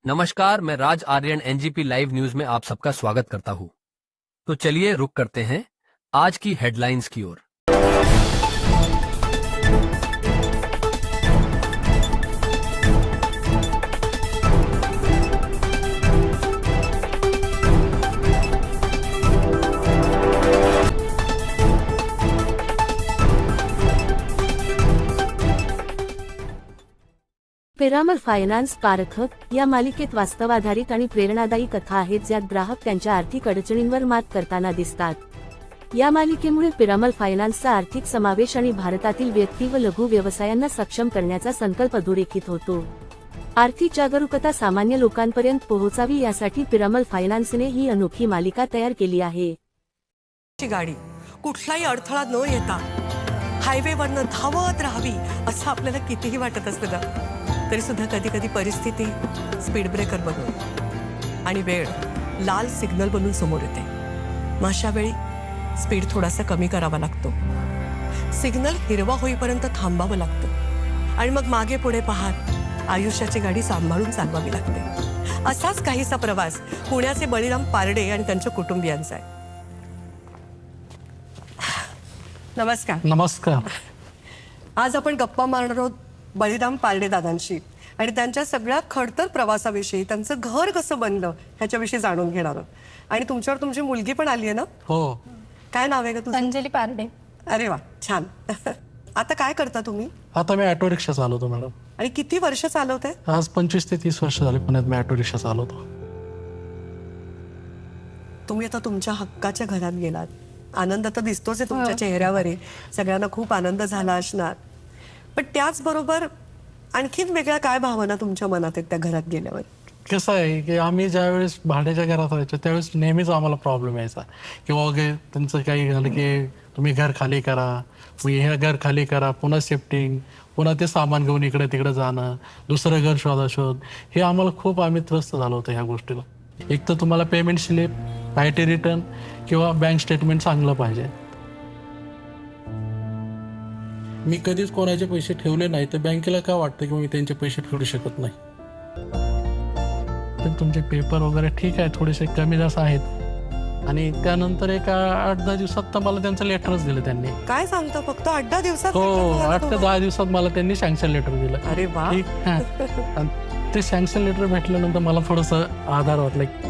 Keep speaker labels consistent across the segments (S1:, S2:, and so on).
S1: नमस्कार, मैं Raj Aryan NGP live news में आप सबका स्वागत करता हूं। तो चलिए रुक करते हैं आज की हेडलाइंस की ओर।
S2: पिरामल फायनान्स पारखक या मालिकेत वास्तवाधारित आणि प्रेरणादायी कथा आहेत, ज्यात ग्राहक त्यांच्या आर्थिक अडचणींवर मात करताना दिसतात। या मालिकेमुळे पिरामल फायनान्सचा आर्थिक समावेश आणि भारतातील व्यक्ती व लघु व्यवसायांना सक्षम करण्याचा संकल्प अधोरेखित होतो। आर्थिक जागरूकता सामान्य लोकांपर्यंत पोहोचावी यासाठी पिरामल फायनान्सने ही अनोखी मालिका तयार केली आहे।
S3: गाडी कुठलाही अडथळा न येता हायवेवरनं धावत राहावी असं आपल्याला कितीही वाटत असतं ना, तरी सुद्धा कधी कधी परिस्थिती स्पीड ब्रेकर बनून आणि वेळ लाल सिग्नल बनून समोर येते। मग अशा वेळी स्पीड थोडासा कमी करावा लागतो, सिग्नल हिरवा होईपर्यंत थांबावं लागतं आणि मग मागे पुढे पाहत आयुष्याची गाडी सांभाळून चालवावी लागते। असाच काहीसा प्रवास पुण्याचे बळीराम पारडे आणि त्यांच्या कुटुंबियांचा आहे। नमस्कार।
S4: नमस्कार।
S3: आज आपण गप्पा मारणार आहोत बळीराम पारडे दादांशी आणि त्यांच्या सगळ्या खडतर प्रवासाविषयी, त्यांचं घर कसं बनलं ह्याच्याविषयी जाणून घेणार आहोत। आणि तुमच्यावर तुमची मुलगी पण आली आहे ना?
S4: हो।
S3: काय नाव आहे का तुझं?
S5: अंजली पारडे।
S3: अरे वा, छान। आता काय करता तुम्ही?
S4: आता मी ऑटो रिक्षा चालवतो मॅडम।
S3: आणि किती वर्ष चालवते?
S4: आज 25 ते 30 वर्ष झाले पुण्यात मी ऑटो रिक्षा चालवतो।
S3: तुम्ही आता तुमच्या हक्काच्या घरात गेलात, आनंद तर दिसतोच आहे तुमच्या चेहऱ्यावर, सगळ्यांना खूप आनंद झाला असणार, पण त्याचबरोबर आणखीन वेगळ्या काय भावना तुमच्या मनात आहेत त्या घरात गेल्यावर?
S4: कसं आहे की आम्ही ज्यावेळेस भाड्याच्या घरात राहायचो त्यावेळेस नेहमीच आम्हाला प्रॉब्लेम यायचा किंवा त्यांचं काही झालं की तुम्ही घर खाली करा, मग हे घर खाली करा, पुन्हा शिफ्टिंग, पुन्हा ते सामान घेऊन इकडे तिकडे जाणं, दुसरं घर शोध, हे आम्हाला आम्ही त्रस्त झालो होतो ह्या गोष्टीला। एक तर तुम्हाला पेमेंट स्लिप, आयटी रिटर्न किंवा बँक स्टेटमेंट चांगलं पाहिजे। मी कधीच कोणाचे पैसे ठेवले नाही, तर बँकेला काय वाटतं की मी त्यांचे पैसे फेडू शकत नाही। तर तुमचे पेपर वगैरे ठीक आहे, थोडेसे कमी जास्त आहेत। आणि त्यानंतर एक 8-10 दिवसात तर मला त्यांचं लेटरच दिलं त्यांनी।
S3: काय सांगता, फक्त 8-10 दिवसात?
S4: हो, 8 ते 10 दिवसात मला त्यांनी सँक्शन लेटर दिलं।
S3: अरे वा।
S4: ते सँक्शन लेटर भेटल्यानंतर मला थोडंसं आधार वाटलं।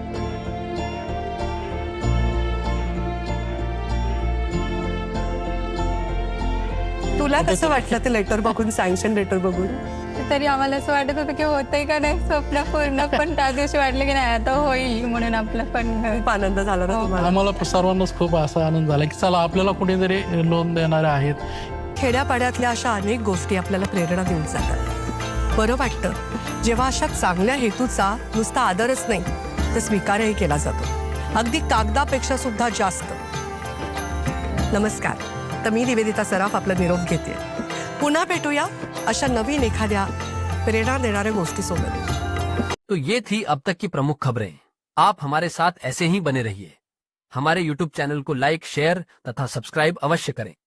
S3: तुला कसं वाटलं ते लेटर बघून, सँक्शन लेटर बघून?
S5: तरी आम्हाला असं वाटत होतं की होतंय का नाही स्वप्न पूर्ण, पण त्या दिवशी वाटलं की नाही आता होईल म्हणून आपलं पण
S3: खूप आनंद झाला ना तुम्हाला?
S4: आम्हाला सर्वांनाच खूप असा आनंद झाला की चला आपल्याला कुणीतरी लोन देणारे आहेत।
S3: खेड्यापाड्यातल्या अशा अनेक गोष्टी आपल्याला प्रेरणा देऊन जातात। बरं वाटतं जेव्हा अशा चांगल्या हेतूचा नुसता आदरच नाही तर स्वीकारही केला जातो, अगदी कागदापेक्षा सुद्धा जास्त। नमस्कार, तर मी निवेदिता सराफ आपला निरोप घेते। पुन्हा भेटूया अशा नवीन एखाद्या प्रेरणा देणाऱ्या गोष्टीसोबत।
S1: तो ये थी अब तक की प्रमुख खबरें। आप हमारे साथ ऐसे ही बने रहिए। हमारे YouTube चैनल को लाइक, शेयर तथा सब्सक्राइब अवश्य करें।